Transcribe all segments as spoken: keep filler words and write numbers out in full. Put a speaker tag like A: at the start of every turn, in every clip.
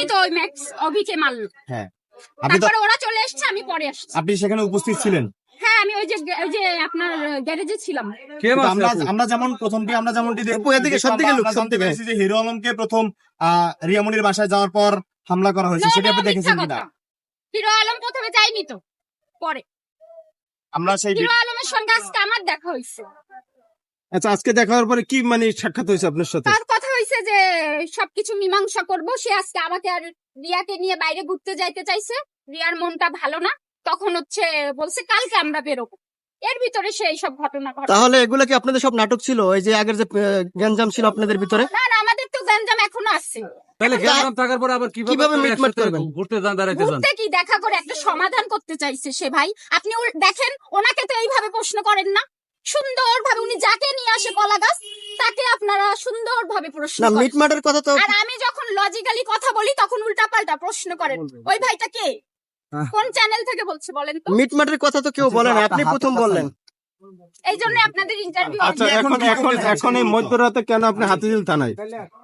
A: উনি তো ওই ম্যাক্স অভিকে মারল।
B: হ্যাঁ, আপনি তো
A: তারপরে ওরা চলে এসেছে, আমি পরে আসছি।
B: আপনি সেখানে উপস্থিত ছিলেন?
A: হ্যাঁ, আমি ওই যে ওই যে আপনার গ্যারেজে ছিলাম।
B: কিন্তু আমরা আমরা যেমন প্রথমটি আমরা যেমনটি দেখবো এদিকে সব দিকে লোক জানতে পেরেছি যে হিরো আলমকে প্রথম আহ রিয়ামনির বাসায় যাওয়ার পর হামলা করা হয়েছে, সেটা আপনি দেখেছেন কিনা?
A: হিরো আলম প্রথমে যায়নি তো, পরে
B: আমরা সেই
A: হিরো আলমের সঙ্গে আজকে আমার দেখা হয়েছে।
C: আচ্ছা, আজকে দেখা হওয়ার পরে কি মানে সাক্ষাৎ হয়েছে আপনার সাথে?
A: তার কথা হয়েছে যে সবকিছু মীমাংসা করব। সে আজকে আমাকে আর রিয়াকে নিয়ে বাইরে ঘুরতে যাইতে চাইছে, রিয়ার মনটা ভালো না, তখন হচ্ছে বলছে কালকে আমরা বেরোবো। এর ভিতরে সে এইসব ঘটনা ঘটে।
D: তাহলে এগুলো কি আপনাদের সব নাটক ছিল? ওই যে আগের যে গ্যাঞ্জাম ছিল আপনাদের ভিতরে?
A: না না, আমাদের তো গ্যাঞ্জাম এখনো আছে।
E: তাহলে গ্যাঞ্জাম থাকার পরে আবার
D: কিভাবে মিটমাট করবেন?
E: ঘুরতে যান, দাঁড়াইতে যান,
A: ঘুরতে কি দেখা করে একটা সমাধান করতে চাইছে সে। ভাই আপনি উল- দেখেন, ওনাকে তো এইভাবে প্রশ্ন করেন না, সুন্দর ভাবে উনি যাকে নিয়ে আসে কলা গাছ তাকে আপনারা সুন্দর ভাবে প্রশ্ন
D: না,
A: করেন।
D: মিটমাটের কথা তো
A: আর আমি যখন লজিক্যালি কথা বলি তখন উল্টা পাল্টা প্রশ্ন করেন। ওই ভাইটা কে, কোন চ্যানেল থেকে বলছে বলেন তো?
D: মিটমাটের কথা তো কেউ বলে না, আপনি প্রথম বললেন।
A: এই জন্য আপনাদের ইন্টারভিউ।
C: আচ্ছা, এখন এখন এখন এই মধ্যরাতে কেন আপনি হাতিঝিল থানায়?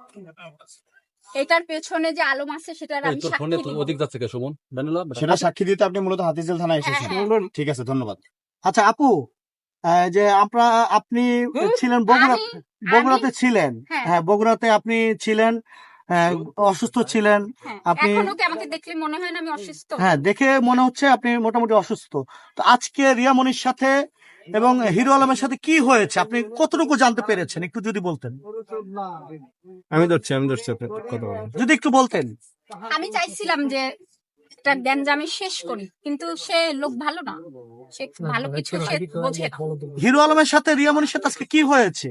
A: এটার পেছনে যে আলম আছে সেটার আমি
E: তোর ফোনে
A: সাক্ষী
E: তো
A: দিব।
E: অধিক যাচ্ছে কে সুমন জানিলা
B: সেটা সাক্ষী দিতে আপনি মূলত হাতিঝিল থানায় এসেছেন।
A: হ্যাঁ,
B: ঠিক আছে, ধন্যবাদ।
F: আচ্ছা আপু, আহ, যে আমরা আপনি ছিলেন বগুড়া,
A: আমি-
F: বগুড়াতে ছিলেন,
A: হ্যাঁ।
F: হ্যাঁ বগুড়াতে আপনি ছিলেন, আহ, অসুস্থ ছিলেন
A: হ্যাঁ,
F: আপনি।
A: এখনো কি আমাকে দেখলে মনে হয় না আমি অসুস্থ?
F: হ্যাঁ, দেখে মনে হচ্ছে আপনি মোটামুটি অসুস্থ। তো আজকে রিয়ামনির সাথে এবং হিরো আলমের সাথে কি হয়েছে আপনি কতটুকু জানতে পেরেছেন, একটু যদি বলতেন।
C: আমি ধরছি আমি ধরছি আপনার কথা বলেন।
F: যদি একটু বলতেন।
A: আমি চাইছিলাম যে একটা গ্যাঞ্জামে শেষ করি, কিন্তু সে লোক ভালো না, সে ভালো কিছু সে বোঝে না।
F: হিরো আলমের সাথে রিয়ামনির সাথে আজকে কি হয়েছে?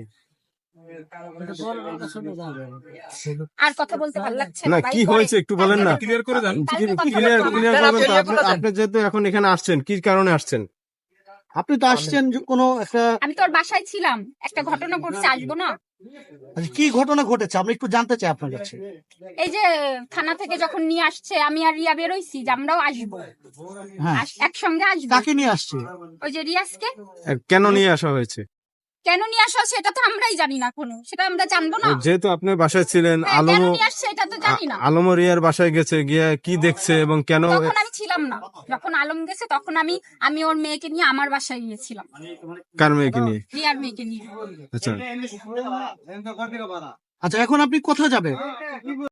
A: আর কথা বলতে ভালো লাগছে
C: না,
A: ভাই,
C: কি
A: পরে-
C: হয়েছে একটু বলেন না।
E: ক্লিয়ার করে দেন।
A: কালকে কথা
C: ক্লিয়ার
A: বলবো।
C: ক্লিয়ার করবেন তো? আপনি আপনি যেহেতু এখন এখানে আসছেন, কি কারণে আসছেন?
F: আপনি তো আসছেন যে কোনো একটা,
A: আমি তোর বাসায় ছিলাম, একটা ঘটনা ঘটছে, আসবো না?
F: আচ্ছা, কি ঘটনা ঘটেছে আমরা একটু জানতে চাই আপনার কাছে।
A: এই যে থানা থেকে যখন নিয়ে আসছে, আমি আর রিয়া বেরোইছি যে আমরাও আসবো,
F: হ্যাঁ,
A: আস- একসঙ্গে আসবো।
F: কাকে নিয়ে আসছে?
A: ওই যে রিয়াজকে
C: কেন নিয়ে আসা হয়েছে?
A: কেন নিয়ে আসা সেটা তো আমরাই জানি না, কোনো সেটা আমরা জানবো না।
C: যেহেতু আপনি বাসায় ছিলেন,
A: হ্যাঁ, কেন
C: আলমও
A: নিয়ে আসছে এটা তো জানি না।
C: আলমও রিয়ার বাসায় গেছে, গিয়ে কি দেখছে এবং কেন?
A: তখন আমি ছিলাম না, যখন আলম গেছে তখন আমি আমি ওর মেয়েকে নিয়ে আমার বাসায় গিয়েছিলাম,
C: কার মেয়েকে নিয়ে?
A: রিয়ার মেয়েকে নিয়ে।
C: আচ্ছা,
F: আচ্ছা, এখন আপনি কোথায় যাবেন?